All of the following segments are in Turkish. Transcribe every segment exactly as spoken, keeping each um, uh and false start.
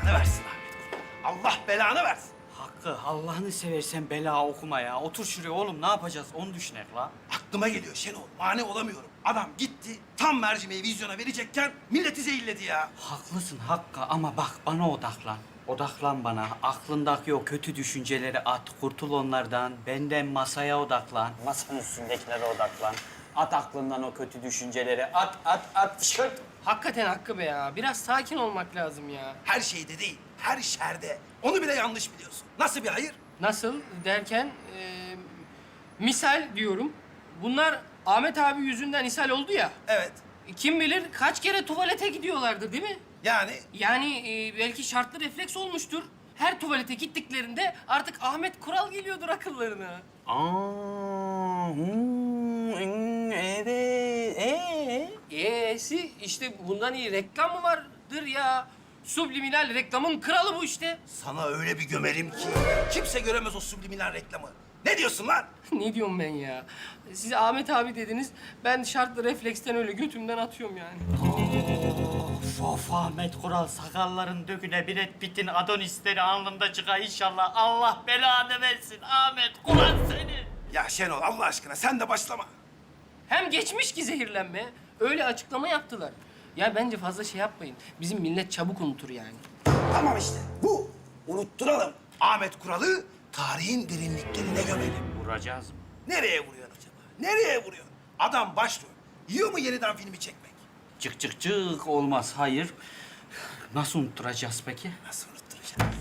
belanı versin Ahmet Kural. Allah belanı versin. Hakkı, Allah'ını seversen bela okuma ya. Otur şuraya oğlum, ne yapacağız onu düşünek la. Aklıma geliyor Şenol. Mani olamıyorum. Adam gitti, tam mercimeği vizyona verecekken milleti zehirledi ya. Haklısın Hakkı ama bak bana odaklan. Odaklan bana. Aklındaki o kötü düşünceleri at. Kurtul onlardan. Benden masaya odaklan. Masanın üstündekilere odaklan. At aklından o kötü düşünceleri. At, at, at. Şırt. Hakikaten Hakkı be ya. Biraz sakin olmak lazım ya. Her şeyde değil, her şerde. Onu bile yanlış biliyorsun. Nasıl bir hayır? Nasıl derken, e, misal diyorum. Bunlar Ahmet abi yüzünden ishal oldu ya. Evet. Kim bilir kaç kere tuvalete gidiyorlardı değil mi? Yani Yani e, belki şartlı refleks olmuştur. Her tuvalete gittiklerinde artık Ahmet Kural geliyordur akıllarına. Aa, hmm, hmm, evet. Ee? E'si işte bundan iyi reklam mı vardır ya? Subliminal reklamın kralı bu işte. sana öyle bir gömerim ki kimse göremez o subliminal reklamı. Ne diyorsun lan? Ne diyorum ben ya? Siz Ahmet abi dediniz, ben şartlı refleksten öyle götümden atıyorum yani. Of, of Ahmet Kural, sakalların döküne Brad Pitt'in Adonisleri alnında çıkar inşallah. Allah belanı versin Ahmet Kural seni. Ya Şenol Allah aşkına sen de başlama. Hem geçmiş ki zehirlenme, öyle açıklama yaptılar. Ya bence fazla şey yapmayın. Bizim millet çabuk unutur yani. Tamam işte bu. Unutturalım. Ahmet Kural'ı tarihin derinliklerine gömelim. Vuracağız mı? Nereye vuruyorsun acaba? Nereye vuruyorsun? Adam başrol. Yiyor mu yeniden filmi çekmek? Çık çık çık olmaz, hayır. Nasıl unutturacağız peki? Nasıl unutturacağız?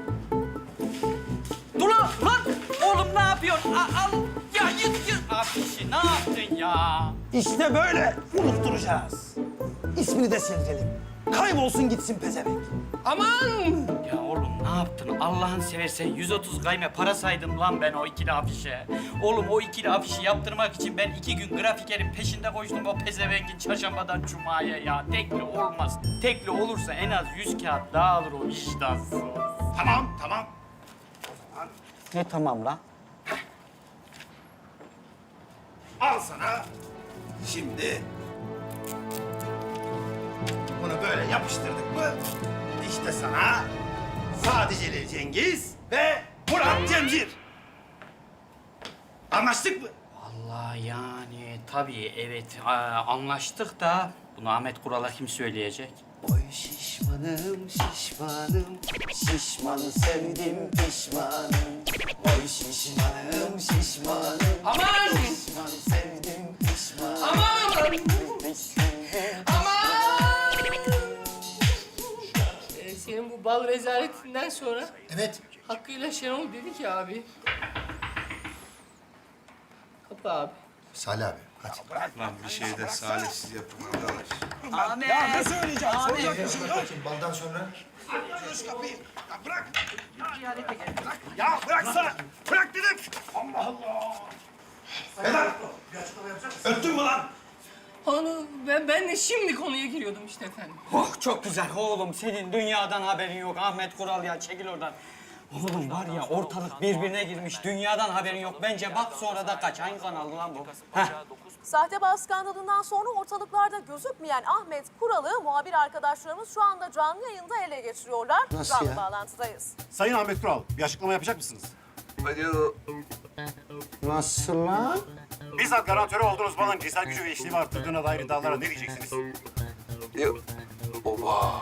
Dur lan, lan! Oğlum ne yapıyorsun? Al, al. Ya yıt yıt. Abi ne yaptın ya? İşte böyle unutturacağız. İsmini de sildirelim. Kaybolsun gitsin pezevenk. Aman! Ya oğlum ne yaptın? Allah'ını seversen yüz otuz gayme para saydım lan ben o ikili afişe. Oğlum o ikili afişi yaptırmak için ben iki gün grafikerin peşinde koştum o pezevengin çarşambadan cumaya ya. Tekli olmaz. Tekli olursa en az yüz kağıt daha alır o vicdansız. Tamam tamam. Ne tamam lan? Al sana. Şimdi bunu böyle yapıştırdık mı? İşte sana Sadiceli Cengiz ve Murat Cemcir. Anlaştık mı? Allah yani tabii evet aa, anlaştık da bunu Ahmet Kural'a kim söyleyecek? Oy şişmanım şişmanım, şişmanı sevdim pişmanım. Oy şişmanım şişmanım, Aman! şişmanı sevdim pişmanım. Aman! Pişmanım. Aman! Ee, senin bu bal rezaletinden sonra Evet. Hakkı'yla Şenol dedi ki abi. Kapı abi. Salih abi hadi. Lan bir şey de salihsiz yapın arkadaş. Ahmet! Ya ne söyleyeceğim? Soracak bir şey yok. Baldan sonra Aç kapıyı. Ya bırak. Bırak. Ya bıraksana. Bırak dedim. Allah Allah. Vedat. Öttün mü lan? Onu ben ben de şimdi konuya giriyordum işte efendim. Oh çok güzel oğlum senin dünyadan haberin yok Ahmet Kural ya çekil oradan. Oğlum var ya ortalık birbirine girmiş dünyadan haberin yok bence bak sonra da kaç hangi kanaldı lan bu? Heh. Sahte bağ skandalından sonra ortalıklarda gözükmeyen Ahmet Kural'ı muhabir arkadaşlarımız şu anda canlı yayında ele geçiriyorlar. Nasıl canlı ya? bağlantıdayız. Sayın Ahmet Kural, bir açıklama yapacak mısınız? Hadi nasıl lan? Bizzat garantörü olduğunuz balın cinsel gücü ve işlevi arttırdığına dair iddialara ne diyeceksiniz? Yok. Oba.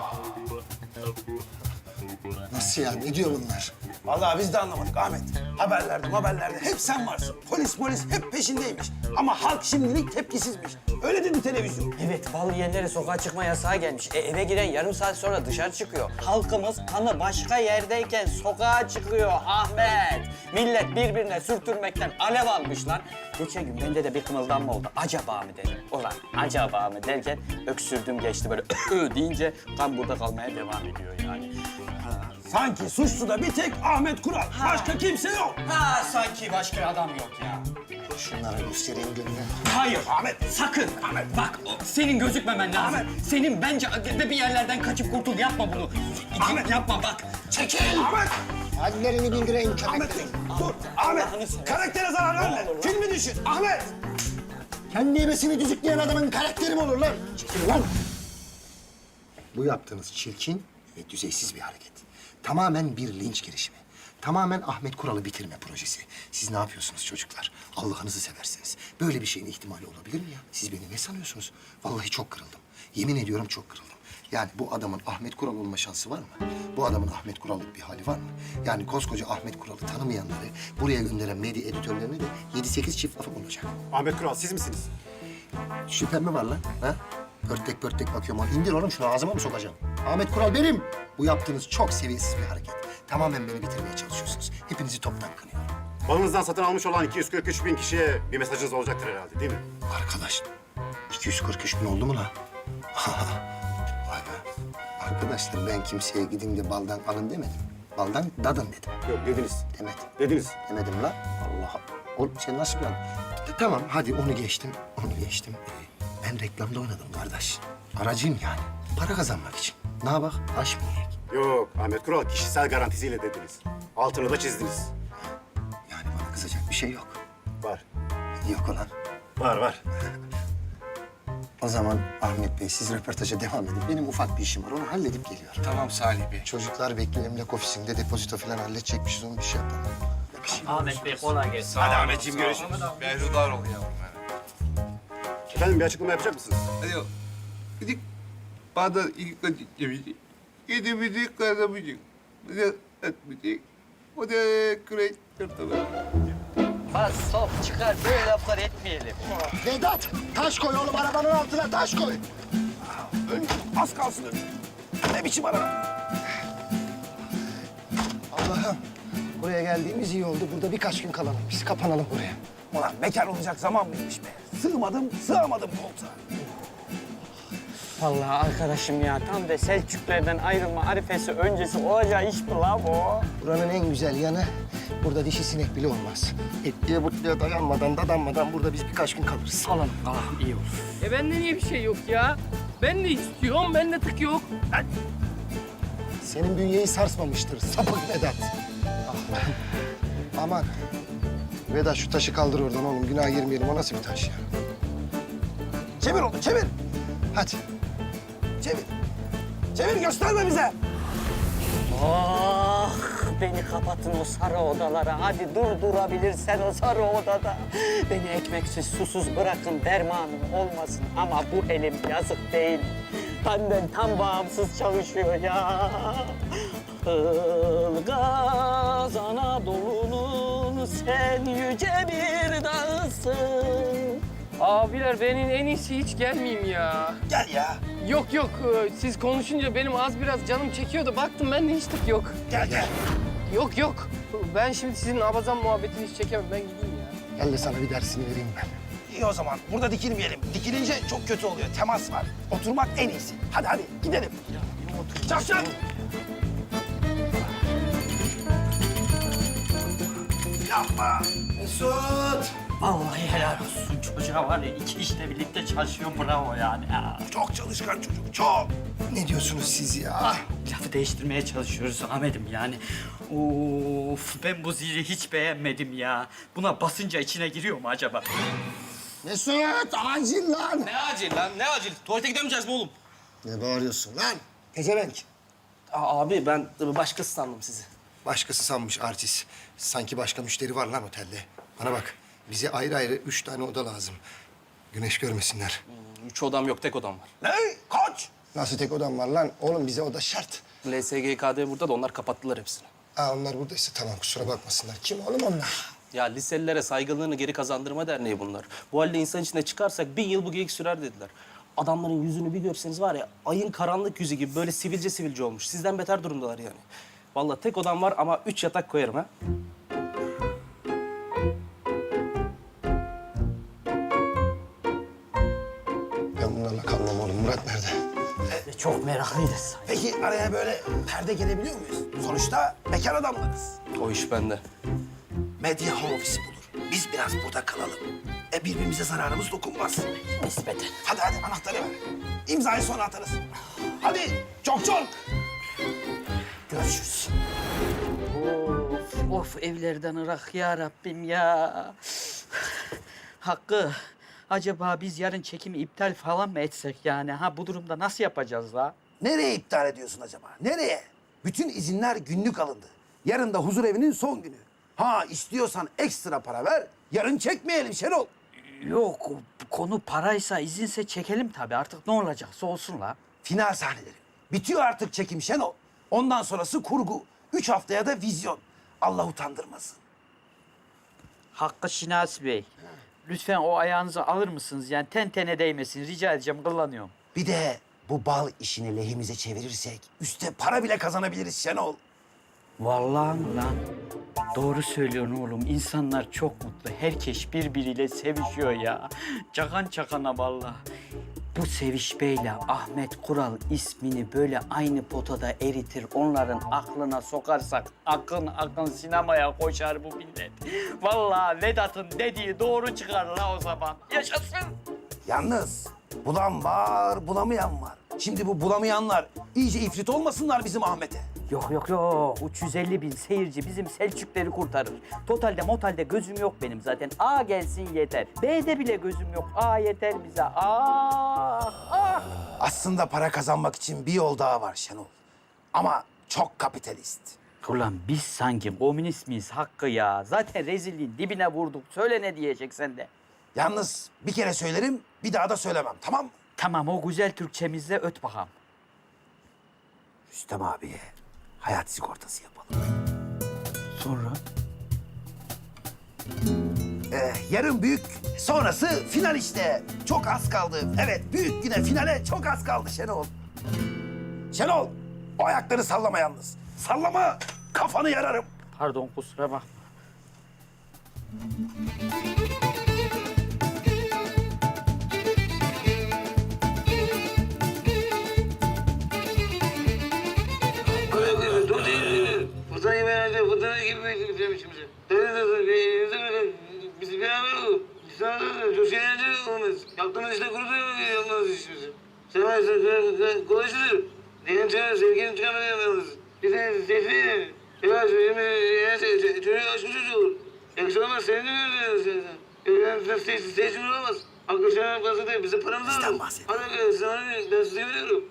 Nasıl ya? Ne diyor bunlar? Vallahi biz de anlamadık Ahmet. Haberlerde haberlerde hep sen varsın. Polis polis hep peşindeymiş. Ama halk şimdilik tepkisizmiş. Öyle dedi televizyon. Evet bal yiyenlere sokağa çıkma yasağı gelmiş. E, eve giren yarım saat sonra dışarı çıkıyor. Halkımız kanı başka yerdeyken sokağa çıkıyor Ahmet. Millet birbirine sürtürmekten alev almış lan. Geçen gün bende de bir kımıldanma oldu. Acaba mı dedim. Ulan acaba mı derken öksürdüm geçti böyle deyince kan burada kalmaya devam ediyor yani. Sanki suçlu da bir tek Ahmet Kural. Başka kimse yok. Ha sanki başka adam yok ya. Şunlara göstereyim gününü. Hayır Ahmet. sakın. Ahmet bak o- senin gözükmemen lazım. Ahmet. Senin bence de bir yerlerden kaçıp kurtul yapma bunu. Ahmet. Yapma bak. Çekil. Ahmet. Hallerini bildireyim Ahmet. köpeklerim. Dur. Allah'ını Ahmet. seversen. Karaktere zarar verme. Filmi düşün. Ahmet. Kendi ebesini düzükleyen adamın karakteri mi olur lan? Çekil lan. Bu yaptığınız çirkin, ve düzeysiz bir hareket. Tamamen bir linç girişimi. Tamamen Ahmet Kural'ı bitirme projesi. Siz ne yapıyorsunuz çocuklar? Allah'ınızı seversiniz. Böyle bir şeyin ihtimali olabilir mi ya? Siz beni ne sanıyorsunuz? Vallahi çok kırıldım. Yemin ediyorum çok kırıldım. Yani bu adamın Ahmet Kural olma şansı var mı? Bu adamın Ahmet Kural'lık bir hali var mı? Yani koskoca Ahmet Kural'ı tanımayanları buraya gönderen medya editörlerine de yedi sekiz çift lafı olacak. Ahmet Kural siz misiniz? Şüphem mi var lan? Ha? Pörtek pörtek bakıyorum. Lan İndir oğlum şunu ağzıma mı sokacağım? Ahmet Kural benim. Bu yaptığınız çok seviyesiz bir hareket. Tamamen beni bitirmeye çalışıyorsunuz. Hepinizi toptan kınıyorum. Balınızdan satın almış olan iki yüz kırk üç bin kişiye bir mesajınız olacaktır herhalde değil mi? Arkadaş, iki yüz kırk üç bin oldu mu lan? Vay be. Arkadaşlar ben kimseye gidin de baldan alın demedim. Baldan dadın dedim. Yok dediniz. Demedim. Dediniz. Demedim lan. Allah Oğlum sen nasıl bir adam? E, Tamam hadi onu geçtim. Onu geçtim. Ee, ben reklamda oynadım kardeş. Aracıyım yani. Para kazanmak için. Ne yapak? Aş mı yiyek? Yok Ahmet Kural kişisel garantisiyle dediniz. Altını da çizdiniz. Yani bana kızacak bir şey yok. Var. Yok olan. Var var. O zaman Ahmet Bey siz röportaja devam edin. Benim ufak bir işim var. Onu halledip geliyorum. Tamam Salih Bey. Çocuklar bekliyor emlak ofisinde depozito falan halledecekmişiz. Onu bir şey yapalım. Ahmet Bey kolay gelsin. Hadi Ahmetciğim görüşürüz. Behrudar ol yavrum. Efendim bir açıklama yapacak mısınız? Hadi o. Gidip bana ilk acıklamayacak. Gidip kazanmayacak. Bir de etmeyecek. O da kürek kırtılar. Bas sok çıkar böyle laflar etmeyelim. Vedat taş koy oğlum arabanın altına taş koy. Ön, az kalsın ön. Ne biçim araba? Allah'ım buraya geldiğimiz iyi oldu. Burada birkaç gün kalalım biz. Kapanalım buraya. Ulan bekar olacak zaman mıymış be? Sığmadım, sığamadım koltuğa. Vallahi arkadaşım ya tam da Selçuklerden ayrılma arifesi öncesi olacağı iş mi la bu? Buranın en güzel yanı burada dişi sinek bile olmaz. Etliye butluya dayanmadan dadanmadan burada biz birkaç gün kalırız. Alalım kalalım iyi olur. E bende niye bir şey yok ya? Ben de istiyorum, bende tık yok. Lan, Senin bünyeyi sarsmamıştır sapık Vedat. Ah. Aman. Vedat şu taşı kaldır oradan oğlum. Günah girmeyelim. O nasıl bir taş ya? Çevir onu, çevir. Hadi. Çevir. Çevir, gösterme bize. Ah beni kapatın o sarı odalara. Hadi dur durabilirsen o sarı odada. Beni ekmeksiz susuz bırakın dermanım olmasın. Ama bu elim yazık değil. Benden tam bağımsız çalışıyor ya. Ilgaz Anadolu'nun sen yüce bir dağısın. abiler benim en iyisi hiç gelmeyeyim ya. Gel ya. Yok yok, e, siz konuşunca benim az biraz canım çekiyordu. Baktım ben de hiç tık yok. Gel gel. Yok yok. Ben şimdi sizin abazan muhabbetini hiç çekemem. Ben gideyim ya. Gel de sana bir dersini vereyim ben. İyi o zaman. Burada dikilmeyelim. Dikilince çok kötü oluyor. Temas var. Oturmak en iyisi. Hadi hadi gidelim. Çak çak. Yapma. Mesut. Vallahi helal olsun çocuğa var ya iki işte birlikte çalışıyor bravo yani ya. Çok çalışkan çocuk. Çok. Ne diyorsunuz siz ya? Lafı değiştirmeye çalışıyoruz Ahmet'im yani. Of ben bu zili hiç beğenmedim ya. Buna basınca içine giriyor mu acaba? Mesut acil lan. Ne acil lan? Ne acil? Tuvalete gidemeyeceğiz mi oğlum? Ne bağırıyorsun lan? Pezevenk. Aa, abi ben başkası sandım sizi. Başkası sanmış artist. Sanki başka müşteri var lan otelde. Bana bak, bize ayrı ayrı üç tane oda lazım. Güneş görmesinler. Üç odam yok, tek odam var. Ne? Koç. Nasıl tek odam var lan? Oğlum bize oda şart. L S G K D burada da onlar kapattılar hepsini. Aa onlar buradaysa tamam kusura bakmasınlar. Kim oğlum onlar? Ya liselilere saygınlığını geri kazandırma derneği bunlar. Bu halde insan içine çıkarsak bin yıl bu geyik sürer dediler. Adamların yüzünü bir görseniz var ya, ayın karanlık yüzü gibi böyle sivilce sivilce olmuş. Sizden beter durumdalar yani. Vallahi tek odam var ama üç yatak koyarım ha. Ben bunlarla kalmam oğlum. Murat nerede? Çok meraklıyız. Peki araya böyle perde gelebiliyor muyuz? Sonuçta bekar adamlarız. O iş bende. Medya home office bulur. Biz biraz burada kalalım. E birbirimize zararımız dokunmaz. Nispeten. Hadi hadi anahtarı ver. İmzayı sonra atarız. Hadi çok çok. Görüşürüz. Of, of evlerden ırak ya Rabbim ya. Hakkı, acaba biz yarın çekimi iptal falan mı etsek yani? Ha bu durumda nasıl yapacağız la? nereye iptal ediyorsun acaba? Nereye? Bütün izinler günlük alındı. Yarın da huzur evinin son günü. Ha istiyorsan ekstra para ver, yarın çekmeyelim Şenol. Yok, konu paraysa, izinse çekelim tabii. Artık ne olacaksa olsun la. Final sahneleri. Bitiyor artık çekim Şenol. Ondan sonrası kurgu. Üç haftaya da vizyon. Allah utandırmasın. Hakkı Şinasi Bey, lütfen o ayağınızı alır mısınız? Yani ten tene değmesin, rica edeceğim, kullanıyorum. Bir de bu bal işini lehimize çevirirsek üste para bile kazanabiliriz Şenol. Vallahi mi lan? Doğru söylüyorsun oğlum. İnsanlar çok mutlu. Herkes birbiriyle sevişiyor ya. Çakan çakana vallahi. Bu sevişmeyle Ahmet Kural ismini böyle aynı potada eritir, onların aklına sokarsak akın akın sinemaya koşar bu millet. Vallahi Vedat'ın dediği doğru çıkar la o zaman. Yaşasın. Yalnız bulan var, bulamayan var. Şimdi bu bulamayanlar iyice ifrit olmasınlar bizim Ahmet'e. Yok yok yok. üç yüz elli bin seyirci bizim Selçukleri kurtarır. Totalde motalde gözüm yok benim zaten. A gelsin yeter. B'de bile gözüm yok. A yeter bize. Ah ah. Aslında para kazanmak için bir yol daha var Şenol. Ama çok kapitalist. Ulan biz sanki komünist miyiz Hakkı ya? Zaten rezilliğin dibine vurduk. Söyle ne diyeceksen de. Yalnız bir kere söylerim, bir daha da söylemem, tamam mı? Tamam o güzel Türkçemizle öt bakalım. Rüstem abiye hayat sigortası yapalım. Sonra? Ee, yarın büyük, sonrası final işte. Çok az kaldı. Evet, büyük güne, finale çok az kaldı Şenol. Şenol, o ayakları sallama yalnız. Sallama, kafanı yararım. Pardon kusura bakma. Fırtına gibi herhalde, fırtına gibi beklemişim içimize. Bizi beraber olalım. İnsanlar çok eğlenceli olmaz. Yaptığımız işte kurudu yapmaz işimizi. Sen varsa kolaycıdır. Diyelim sana sevginin tükenmeden yapmalıyız. Bir de sesli. Yavaş şimdi eğer çocuğu açmış çocuğu olur. Yakışılamaz seni de görüyoruz sen. Yani sessiz sessiz olamaz. Arkadaşlarına fazla değil. Bize paramız lazım. Bizden bahset. Hadi sana ben sizi seviyorum.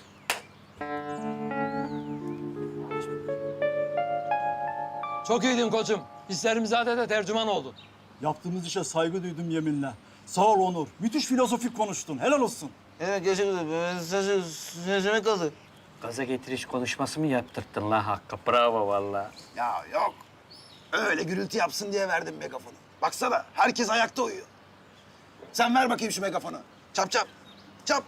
Çok iyiydin koçum. Hislerimizade de tercüman oldun. Yaptığımız işe saygı duydum yeminle. Sağ ol Onur. Müthiş filozofik konuştun. Helal olsun. Evet gerçekten sözü sözüme kaldı. Gaza getiriş konuşması mı yaptırttın la Hakkı? Bravo vallahi. Ya yok, öyle gürültü yapsın diye verdim megafonu. Baksana, herkes ayakta uyuyor. Sen ver bakayım şu megafonu. Çap çap, çap.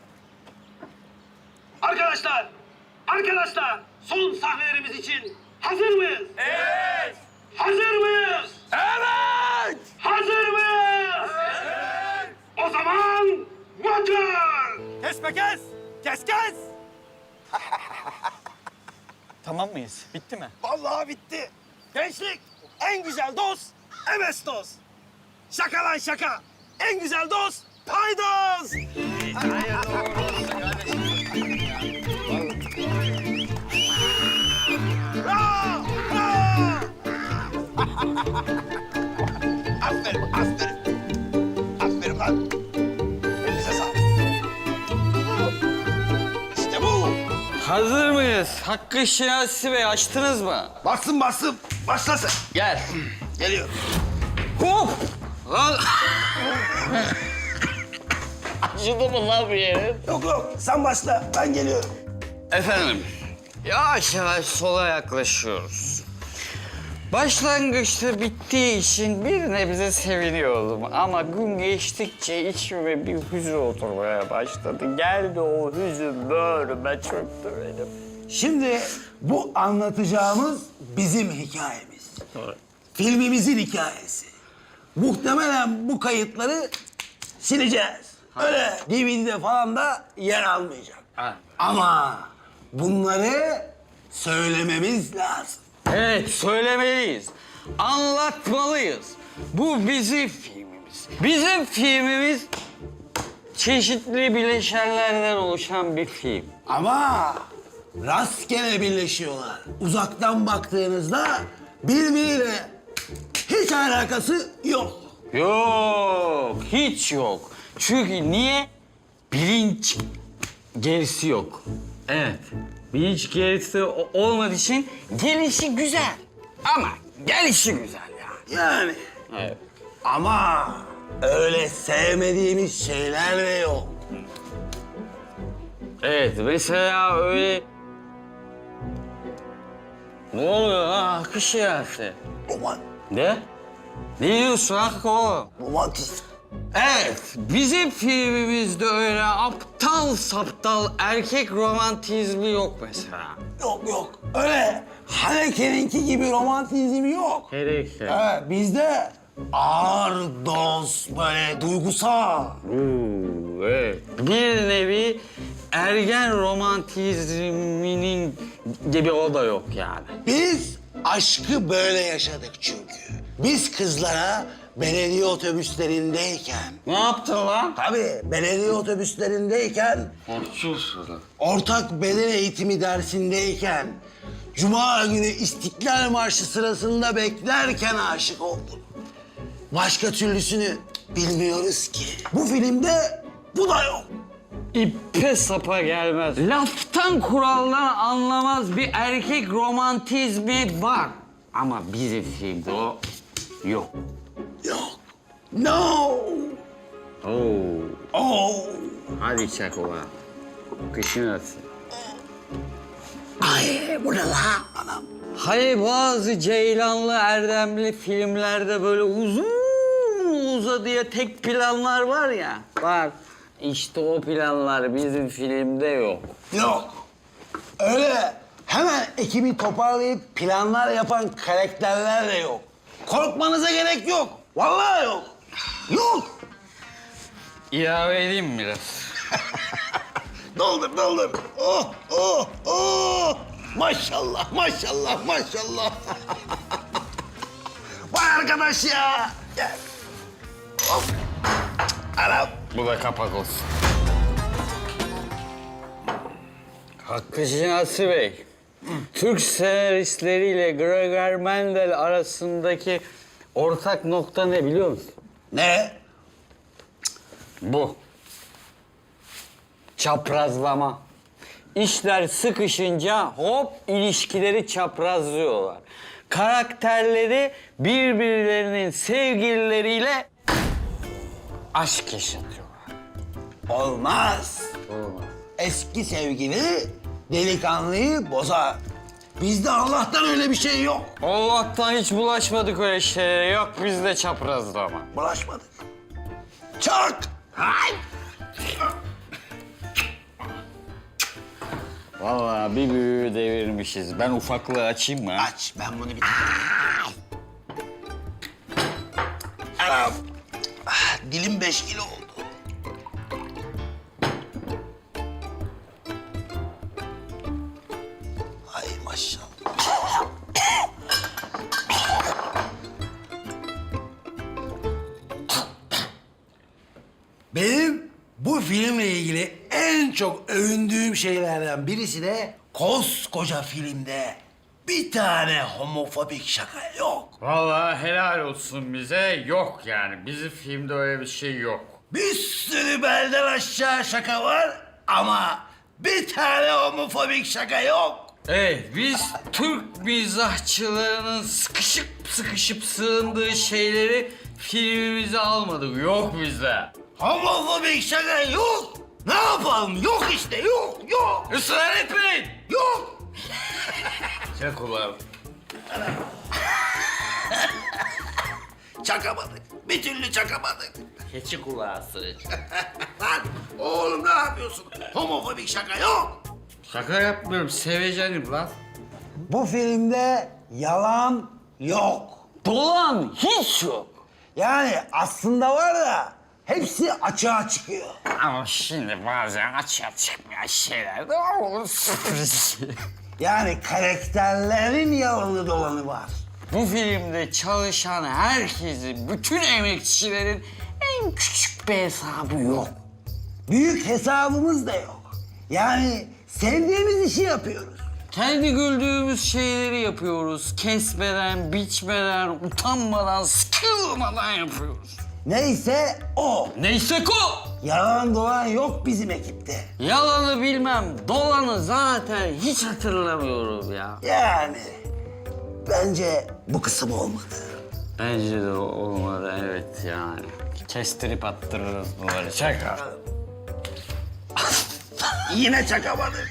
Arkadaşlar, arkadaşlar son sahnelerimiz için hazır mıyız? Evet. Hazır mıyız? Evet! Hazır mıyız? Evet. O zaman motor! Kesme kes, kes kes. Tamam mıyız? Bitti mi? Vallahi bitti. Gençlik, en güzel dost, emes dost. Şaka lan şaka. En güzel dost, paydos. Bravo, bravo. Aferin, aferin. Aferin lan. Elinize sağlık. İşte bu. Hazır mıyız? Hakkı Şinasi Bey açtınız mı? Bastım bastım. Başlasın. Gel. Geliyor. Hop! Lan! Acıdı mı lan bir yerin? Yok yok, sen başla. Ben geliyorum. Efendim, yavaş yavaş sola yaklaşıyoruz. Başlangıçta bittiği için bir nebze seviniyordum ama gün geçtikçe içime bir hüzün oturmaya başladı. Geldi o hüzün böğrüme çöktü benim. Şimdi bu anlatacağımız bizim hikayemiz. Filmimizin hikayesi. Muhtemelen bu kayıtları sileceğiz. Öyle D V D'de falan da yer almayacak. Ha. Ama bunları söylememiz lazım. Evet, söylemeliyiz. Anlatmalıyız. Bu bizim filmimiz. Bizim filmimiz çeşitli bileşenlerden oluşan bir film. Ama rastgele birleşiyorlar. Uzaktan baktığınızda birbiriyle hiç alakası yok. Yok, hiç yok. Çünkü niye? Bilinç gerisi yok. Evet. Bir hiç gerisi o- olmadığı için gelişi güzel. Ama gelişi güzel ya. Yani. Evet. Ama öyle sevmediğimiz şeyler de yok. Evet, mesela öyle... Ne oluyor ha? Akış yarası. Roman, Ne? Ne diyorsun Hakkı oğlum? romantizm. Evet, bizim filmimizde öyle aptal saptal erkek romantizmi yok mesela. Yok yok. Öyle Haneke'ninki gibi romantizm yok. Gerekse. Evet, bizde ağır doz, böyle duygusal. Evet. Bir nevi ergen romantizminin gibi o da yok yani. Biz aşkı böyle yaşadık çünkü. Biz kızlara belediye otobüslerindeyken... Ne yaptın lan? Tabii belediye otobüslerindeyken... Korkuyorsun. Ortak beden eğitimi dersindeyken... Cuma günü İstiklal Marşı sırasında beklerken aşık oldum. Başka türlüsünü bilmiyoruz ki. Bu filmde bu da yok. İpe sapa gelmez. Laftan kuraldan anlamaz bir erkek romantizmi var. Ama bizim filmde o yok. Yok. No. Oo. Oh. Hadi çak ulan. Kışın atın. Ay bu ne la anam? Hani bazı Ceylanlı Erdemli filmlerde böyle uzun uzadıya tek planlar var ya. Var. İşte o planlar bizim filmde yok. Yok. Öyle hemen ekibi toparlayıp planlar yapan karakterler de yok. Korkmanıza gerek yok. Vallahi yok. Yok. İlave edeyim mi biraz? Doldur, doldur. Oh, oh, oh. Maşallah, maşallah, maşallah. Vay arkadaş ya. Gel. Hop. Anam. Bu da kapak olsun. Hakkı Şinasi Bey, Türk senaristleriyle Gregor Mendel arasındaki ortak nokta ne biliyor musun? Ne? Bu. Çaprazlama. İşler sıkışınca hop ilişkileri çaprazlıyorlar. Karakterleri birbirlerinin sevgilileriyle aşk yaşatıyorlar. Olmaz. Olmaz. Eski sevgili delikanlıyı bozar. Bizde Allah'tan öyle bir şey yok. Allah'tan hiç bulaşmadık öyle şeylere. Yok bizde çaprazlama. Bulaşmadık. Çak! Hay! Vallahi bir büyüğü devirmişiz. Ben ufaklığı açayım mı? Aç, ben bunu bir... Anam! Ah, dilim beş kilo oldu. Ay maşallah. Benim bu filmle ilgili en çok övündüğüm şeylerden birisi de koskoca filmde bir tane homofobik şaka yok. Vallahi helal olsun bize. Yok yani. Bizim filmde öyle bir şey yok. Bir sürü belden aşağı şaka var ama bir tane homofobik şaka yok. Evet, biz Türk mizahçılarının sıkışıp sıkışıp sığındığı şeyleri filmimize almadık. Yok bizde. Homofobik şaka yok. Ne yapalım? Yok işte, yok, yok. Israr etmeyin. Yok. Çak ulan. Çakamadık. Bir türlü çakamadık. Keçi kulağı sığır. Lan oğlum ne yapıyorsun? Homofobik şaka yok. Şaka yapmıyorum, sevecenim lan. Bu filmde yalan yok. Dolan hiç yok. Yani aslında var da hepsi açığa çıkıyor. Ama şimdi bazen açığa çıkmayan şeyler de olur. Sürpriz. Yani karakterlerin yalanı dolanı var. Bu filmde çalışan herkesin, bütün emekçilerin en küçük bir hesabı yok. Büyük hesabımız da yok. Yani sevdiğimiz işi yapıyoruz. Kendi güldüğümüz şeyleri yapıyoruz. Kesmeden, biçmeden, utanmadan, sıkılmadan yapıyoruz. Neyse o. Neyse ko! Yalan dolan yok bizim ekipte. Yalanı bilmem, dolanı zaten hiç hatırlamıyorum ya. Yani bence bu kısım olmadı. Bence de olmadı, evet yani. Kestirip attırırız bunları, şaka. Yine çakamadık.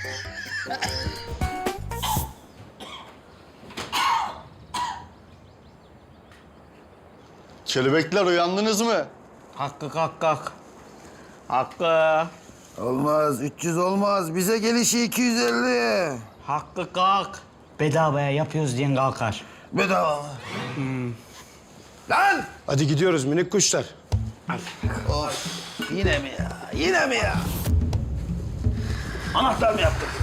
Kelebekler uyandınız mı? Hakkı kalk kalk. Hakkı. Olmaz, üç yüz olmaz. Bize gelişi iki yüz elli. Hakkı kalk. Bedavaya yapıyoruz diyen kalkar. Bedava mı? Lan! Hadi gidiyoruz minik kuşlar. Of, yine mi ya? Yine mi ya? Anahtar mı yaptık?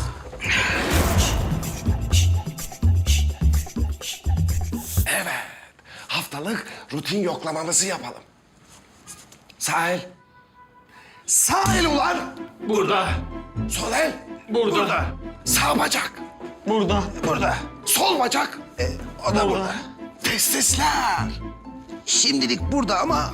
Evet. Haftalık rutin yoklamamızı yapalım. Sahil. Sahil ulan. Burada. Sol el. Burada. Burada. Sağ bacak. Burada. Burada. Sol bacak. E, o da burada. Testisler. Şimdilik burada ama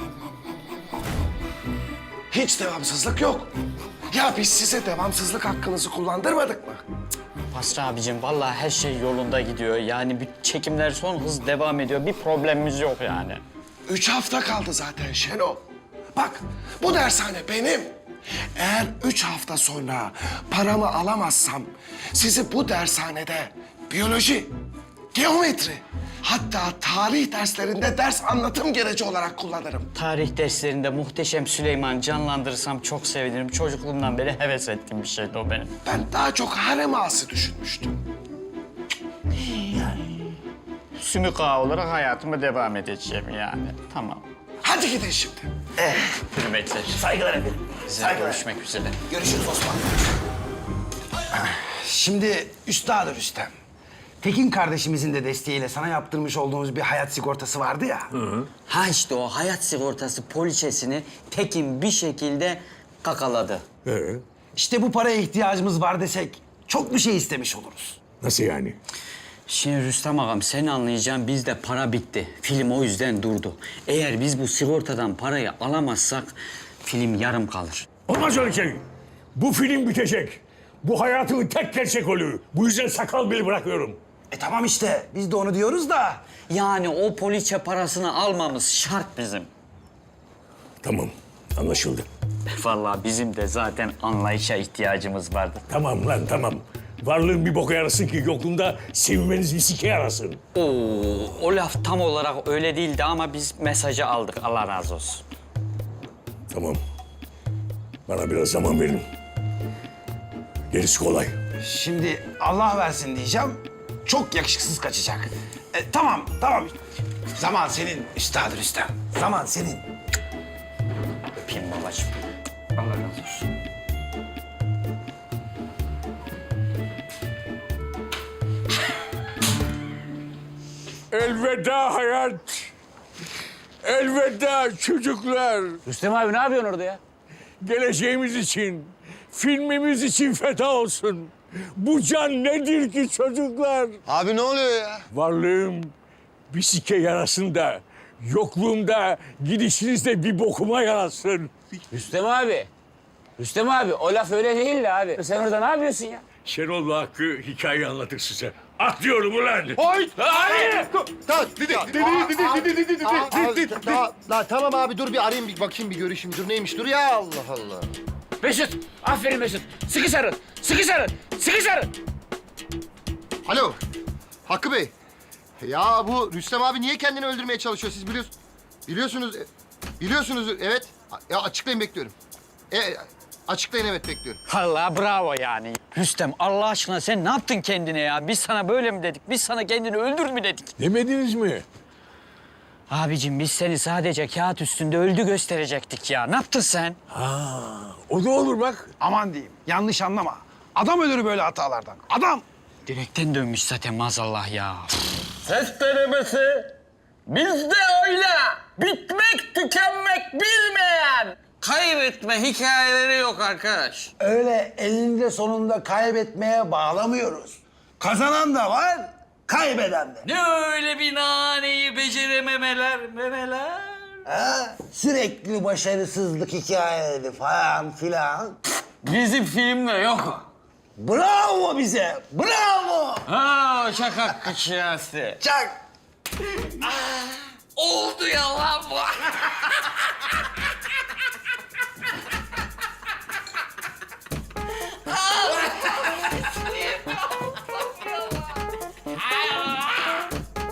Hiç devamsızlık yok. Ya biz size devamsızlık hakkınızı kullandırmadık mı? Basri abicim vallahi her şey yolunda gidiyor. Yani bir çekimler son hız devam ediyor. Bir problemimiz yok yani. Üç hafta kaldı zaten Şenol. Bak bu dershane benim. Eğer üç hafta sonra paramı alamazsam sizi bu dershanede biyoloji, geometri, hatta tarih derslerinde ders anlatım gereci olarak kullanırım. Tarih derslerinde Muhteşem Süleyman canlandırırsam çok sevinirim. Çocukluğumdan beri heves ettiğim bir şeydi o benim. Ben daha çok harem ağası düşünmüştüm. Sümük ağa olarak hayatıma devam edeceğim yani. Tamam. Hadi gidin şimdi. Hürmetler. saygılar efendim. Size Saygılar. görüşmek üzere. Görüşürüz Osman. Şimdi Üstad Rüstem. Tekin kardeşimizin de desteğiyle sana yaptırmış olduğumuz bir hayat sigortası vardı ya. Ha işte o hayat sigortası poliçesini Tekin bir şekilde kakaladı. İşte bu paraya ihtiyacımız var desek çok bir şey istemiş oluruz. Nasıl yani? Şimdi Rüstem ağam sen anlayacaksın bizde para bitti. Film o yüzden durdu. Eğer biz bu sigortadan parayı alamazsak film yarım kalır. Olmaz öyle şey. Bu film bitecek. Bu hayatımın tek gerçek oluyor. Bu yüzden sakal bile bırakıyorum. E tamam işte biz de onu diyoruz da. Yani o poliçe parasını almamız şart bizim. Tamam, anlaşıldı. Vallahi bizim de zaten anlayışa ihtiyacımız vardı. Tamam lan tamam. Varlığın bir boka yarasın ki yokluğunda sevinmeniz bir sike yarasın. Oo, o laf tam olarak öyle değildi ama biz mesajı aldık. Allah razı olsun. Tamam. Bana biraz zaman verin. Gerisi kolay. Şimdi Allah versin diyeceğim. Çok yakışıksız kaçacak. E, tamam tamam. Zaman senin Üstad Rüstem. Zaman senin. Öpeyim babacığım. Allah razı olsun. Elveda hayat. Elveda çocuklar. Rüstem abi ne yapıyorsun orada ya? Geleceğimiz için, filmimiz için feda olsun. Bu can nedir ki çocuklar? Abi ne oluyor ya? Varlığım bir sike yarasın da, yokluğumda gidişinizde bir bokuma yarasın. Rüstem abi. Rüstem abi o laf öyle değil de abi. Sen orada ne yapıyorsun ya? Şenol'la Hakkı hikaye anlatır size. Atlıyorum ulan. Oy! Hayır! Tamam abi dur bir arayayım bir bakayım bir görüşeyim. Dur neymiş dur ya Allah Allah. Mesut. Aferin Mesut. Sıkı sarıl. Sıkı sarıl. Sıkı sarıl. Alo Hakkı Bey. Ya bu Rüstem abi niye kendini öldürmeye çalışıyor siz biliyorsunuz. Biliyorsunuz. Biliyorsunuz evet. Ya açıklayın bekliyorum. E, açıklayın evet bekliyorum. Vallahi bravo yani. Rüstem Allah aşkına sen ne yaptın kendine ya? Biz sana böyle mi dedik? Biz sana kendini öldür mü dedik? Demediniz mi? Abicim biz seni sadece kağıt üstünde öldü gösterecektik ya. Ne yaptın sen? Ha, o da olur bak. Aman diyeyim yanlış anlama. Adam ölür böyle hatalardan. Adam. Direkten dönmüş zaten maazallah ya. Ses denemesi bizde öyle. Bitmek, tükenmek bilmeyen. Kaybetme hikayeleri yok arkadaş. Öyle elinde sonunda kaybetmeye bağlamıyoruz. Kazanan da var, kaybeden de. Ne öyle bir naneyi becerememeler, memeler. Ha? Sürekli başarısızlık hikayeleri falan filan. Bizim filmde yok. Bravo bize, bravo. Ha şaka kışyası. Çak. Oldu ya lan bu.